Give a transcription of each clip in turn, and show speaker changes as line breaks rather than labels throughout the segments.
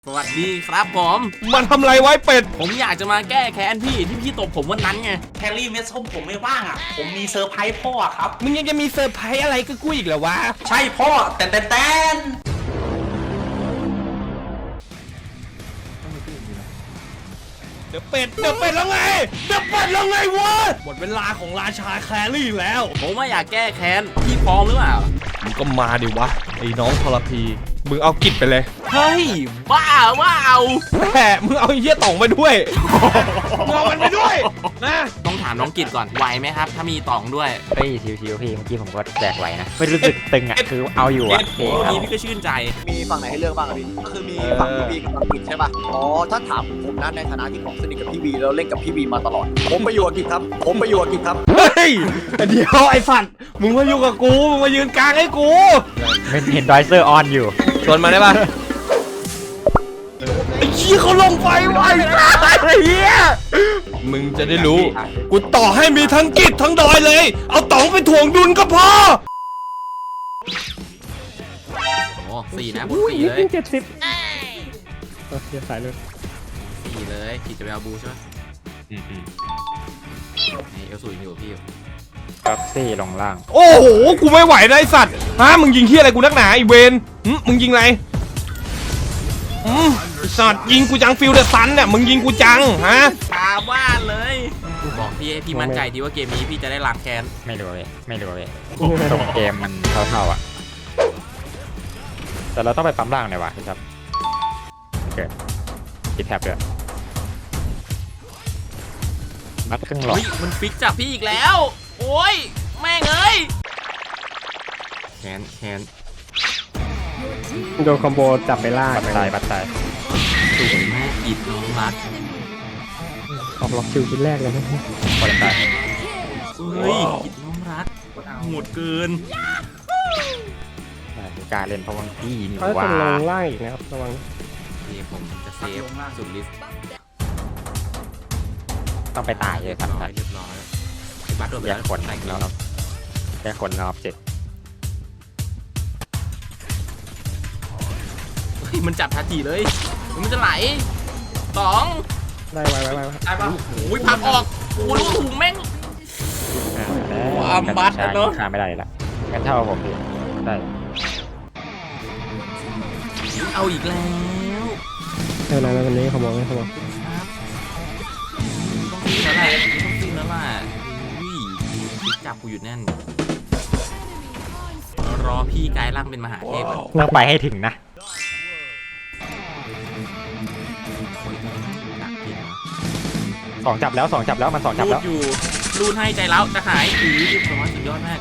สวัสดีครับผม
มันทำไรไว้เป็ด
ผมอยากจะมาแก้แค้นพี่ที่พี่ตบผมวันนั้นไง
แฮร์รี่เมสส้มผมไม่ว่างอ่ะผมมีเซอร์ไพรส์พ่อครับ
มึงยังจะมีเซอร์ไพรส์อะไรก็กูอีกเหรอวะ
ใช่พ่อแต่
เดี๋ยวเป็ดแล้วไงวะหมดเวลาของราชาแครี่แล้ว
ผมว่าอยากแก้แค้นพี่พร้อมหรือเปล่า
มึงก็มาดิวะไอ้น้องทรพีมึงเอากิจไปเลย
เฮ้ยบ้าว่าเอา
แหมมึงเอาไอ้เหี้ยต่องไปด้วยมึงเอามันไปด้วยนะ
ต้องถามน้องกิจก่อนไหวไหมครับถ้ามีตองด้วย
เฮ้ยชิวๆพี่เมื่อกี้ผมก็แจกไหวนะไม่รู้สึกตึงอ่ะคือเอาอยู่อ่ะ
โอ้พี่ก็ชื่นใจ
มีฝั่งไหนให้เลือกบ้างอะพี่ก็คือมีฝั่งพี่วีกับฝั่งกิจใช่ป่ะอ๋อถ้าถามผมนะในฐานะที่ผมสนิทกับพี่วีแล้วเล่นกับพี่วีมาตลอดผมไปอยู่กับกิจครับ
เฮ้ยเดี๋ยวไอ้สัตว์มึงมาอยู่กับกูมึงมายืนกลางให้กู
เห็นดอยเซอร์ออนอยู่
ชวนมาได้ปะไอ้ขี้เขาลงไฟไว้ไอ้เหี้ยมึงจะได้รู้กูต่อให้มีทั้งกิจทั้งดอยเลยเอาต๋องไปถ่วงดุลก็พอ
โอ้สี่นะบนสี่เลย
70เดี๋ยวสายเลย
สี่เลยกิจจะไปเอาบูใช่ไหมนี่เอลสูยังอยู่พี่อยู่
ก็ซี่ลงล่าง
โอ้โหกูไม่ไหวนะไอ้สัตว์ฮะมึงยิงเหี้ยอะไรกูนักหนาไอ้เวนมึงยิงอะไรไอ้สัตว์ยิงกูจังฟิลเดอร์ซันเนี่ยมึงยิงกูจังฮะ
ตาบ้านเลยบอกพี่ให้พี่มั่นใจดีว่าเกมนี้พี่จะได้ล้างแค้น
ไม่รู้เลยตรงเกมมันเท่าๆอ่ะแต่เราต้องไปปั๊มล่างเลยวะพี่ครับโอเคติดแท็บด้วยนัดครึ่งหลอด
มันฟิกจากพี่อีกแล้วโอ้ยแม่งเอ้ยแค้น
โดนคอมโบจับไปล่า
บัตตาย
สูงแม่อิดน้องรัก
ออกล็อกคิวชิ้นแรกเลยนะ
พอตาย
เฮ้ยอิดน้องรักโหดเกิน
การเล่นเพราะว่าพี่นี่ว่า
จะลงล่างอีกนะครับระวัง
ที่ผมจะเซฟสุดลิฟต์
ต้องไปตายเลยครับ
เรียบร้อยบัตโดนไป
แย
แล้ว
กคนแล้วแยกคนรอบ7
มันจับทันทีเลยมันจะไหลสอง
ได้ไว้
ได้ปะอุ้ยพักออกโอ้ลูกถุงแม่งความบัตเนาะ
ฆ่าไม่ได้ละงั้นเท่าผมดิได้
เอาอีกแล้ว
แล้ววันนี้เขาบอกต้อง
ตีแล้วล่ะจับกูอยู่แน่นรอพี่กายร่างเป็นมหาเทพ
ต้องไปให้ถึงนะสองจับแล้วมัน2 จับแล้ว
อยู่รูนให้ใจแล้วจะหายสุดยอดมาก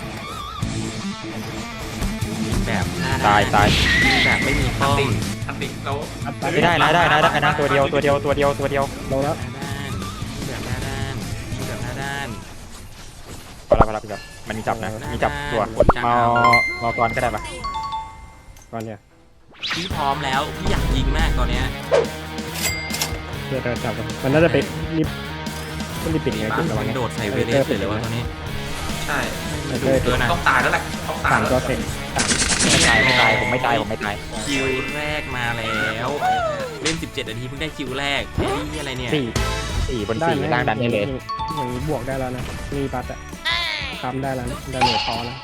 แบบ
ตาย
แบบไม่มีข้อ
ทันติเรา
ไม่ได้นะตัวเดียว
ลงแล้ว
แบบหน้าด้าน
พอแล้วพี่ครับมันมีจับนะมีจับตัวมากรก็ได้ปะ
ก่อนเนี่ย
พี่พร้อมแล้วพี่อยากยิงมากตอนเนี้ย
เดี๋ยวจับมันน่าจะไปรีบปิดไงคุณระวัง
โดดใส่เวเลสเลยว่าตอนนี้
ใช่ต้องตายแล้วแหละต้องตายแล้ว
ไม่ตายผมไม่ตาย
คิวแรกมาแล้วเล่น17 นาทีเพิ่งได้คิวแรกไอ้นี่อะไรเนี่ย
4 บน 4ล่างดันได้เลย
อย่างนี้บวกได้แล้วนะมีบัตอะคำได้แล้วได้เหนือพอแล้ว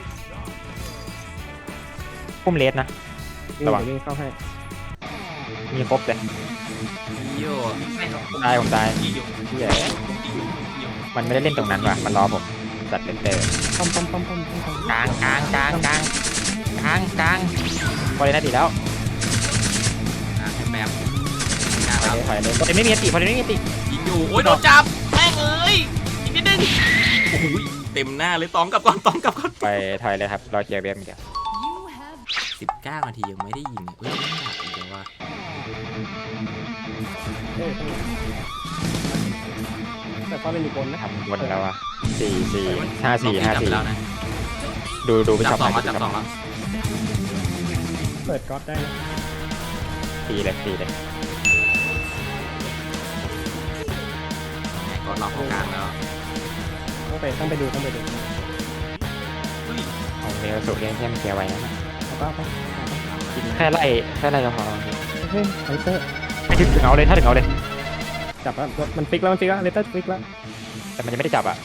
พุ่มเลสนะ
ระวังเข้าให้
มีครบเลยผมตายมันไม่ได้เล่นตรงนั้นว่ะมันรอผมจัดเล่นเตอร์
ป้อม
กลางพอเลยนะตีแล้ว
แบบ
ถอยเลยพอเลยไม่มีติ
ยิงอยู่โอ้ยโดนจับแม่งเอ้ยอีกนิดนึงโอ้โหเต็มหน้าเลยต้องกลับก่อน
ไปถอยเลยครับรอเคลียร์เบียร์เดี๋ยว
19 นาทียังไม่ได้ยิงเฮ้ยไม่หนักอีกแล้วว่ะ
แต่ก็เป็นอีกคนนะ
วนแล้วอ่ะ5-4
แล้วนะ
ดูไปจับ2
แล้ว
เปิดก๊อตได้นะ
ตีเลย
ก็ล็อกกลางแล้ว
ต้องไปดู
ของเนลสุเรียนเทียมเคลียร์ไว้นะแค่ไล่ก็พอ
เฮ้ยไลเตอร์
ไม่ถึงเอาเลยถ้าถึงเอาเลย
จับแล้วมันฟิกแล้วเลเตอร์ฟิกแล้ว
แต่มันยังไม่ได้จับอ่ะ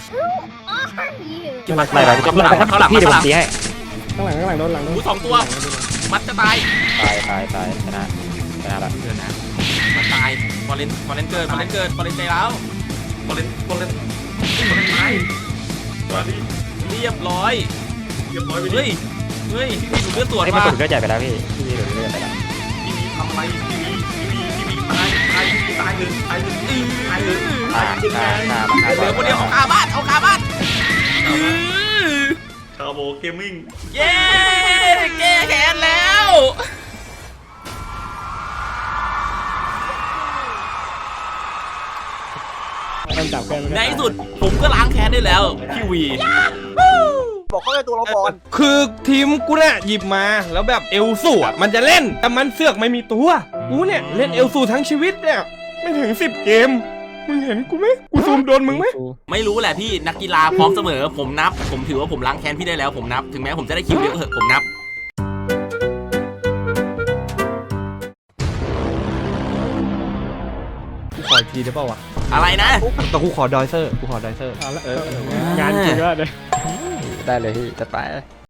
เก็บมา
ไล่ไปพี่เดี๋ยวผมตีให้
ข้างหลังโดนหลังโดน
สองตัว มัดจะตาย
ตายชนะละ
เดี๋ยวนะมันตายฟอร์เรนเกิดฟอร์เรนใจแล้ว
บอลเล่นไม้
เรียบร้อย
เรียบร้อยไปดิ
เฮ้ยพี่ดูเลือดตรวจ
ไอ้มัน
มา
กดเลือดใหญ่ไปแล้วพี่โดนเลือดไปแล้ว
ทำอะไรทีวีตายเลยตายเลยตายเลย
เหลือคนเดียวเอาคาบ้าน
ชาโบเกมมิ่ง
เย้แก้แค้นแล้ว
มันจับแก
ในที่สุดผมก็ล้างแค้นได้แล้วพี่วี
บอกเขาเลยตัวเราก่อน
คือทีมกูเนี่ยหยิบมาแล้วแบบเอลสูอ่ะมันจะเล่นแต่มันเสือกไม่มีตัวกูเนี่ยเล่นเอลสูทั้งชีวิตเนี่ยไม่ถึง10 เกมมึงเห็นกูไหมกูซูมโดนมึงไหม
ไม่รู้แหละพี่นักกีฬาพร้อมเสมอผมนับ ผมถือว่าผมล้างแค้นพี่ได้แล้วผมนับถึงแม้ผมจะได้คิวเยอะเหอะผมนับ
กูขออีกทีได้ป่าวะ
อะไรนะ
แต่กูขอดอยเซอร์
เอาละงานจริงแล้วเลย
ได้เลยพี่จัดไป